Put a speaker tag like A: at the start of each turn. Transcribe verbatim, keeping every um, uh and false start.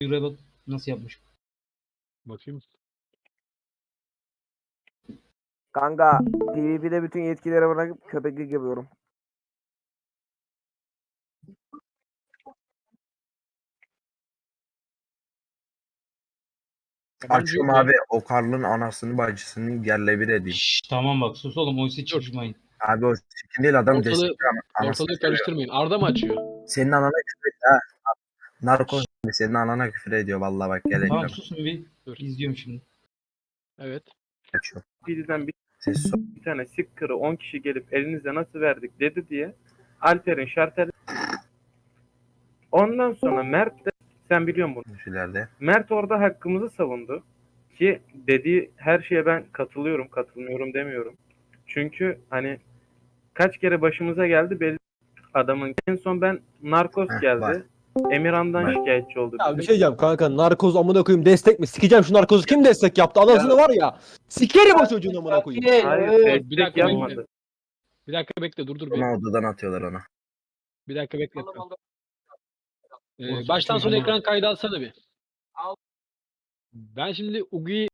A: Yürüye bak nasıl yapmış.
B: Bakayım.
C: Kanka P V P'de bütün yetkileri bırakıp köpeklik yapıyorum.
D: Açıyorum abi o Karl'ın anasını bacısını yerle bir edeyim.
A: Şşş, tamam bak sus oğlum oysa çıkmayın.
D: Abi o sikin değil adam
B: Ortalığı,
D: destek anasını
B: ortalığı
D: seviyor.
B: karıştırmayın. Arda mı açıyor?
D: Senin anana küfür ediyor ha. Narkoz senin anana küfür ediyor vallahi bak gel
A: Tamam
D: ekrana.
A: susun bir.
B: Dur.
A: İzliyorum şimdi.
B: Evet.
D: Açıyorum.
E: Birden bir,
D: Ses
E: bir tane sikırı on kişi gelip elinize nasıl verdik dedi diye Alper'in şarteli. Ondan sonra Mert de sen biliyorsun bunu.
D: sözlerde.
E: Mert orada hakkımızı savundu. Ki dediği her şeye ben katılıyorum, katılmıyorum demiyorum. Çünkü hani kaç kere başımıza geldi belli adamın. En son ben narkoz
D: Heh,
E: geldi.
D: var.
E: Emirhan'dan
D: Var.
E: şikayetçi oldu.
F: Ya bir
E: bizim.
F: şey diyeceğim kanka, narkoz amına koyayım destek mi? Sikeceğim şu narkozu, kim destek yaptı? Anasını var ya. Sikerim o çocuğun amına koyayım.
E: Hayır,
B: Bir
E: destek
B: dakika
E: yapmadı.
B: bekle. Bir dakika bekle dur dur. Bir,
D: Ona odadan atıyorlar ona.
B: bir dakika bekle. Ee,
A: Orası
B: baştan sona
A: çocuğun-
B: ekran kaydı alsana bir. Ben şimdi Ugi'yi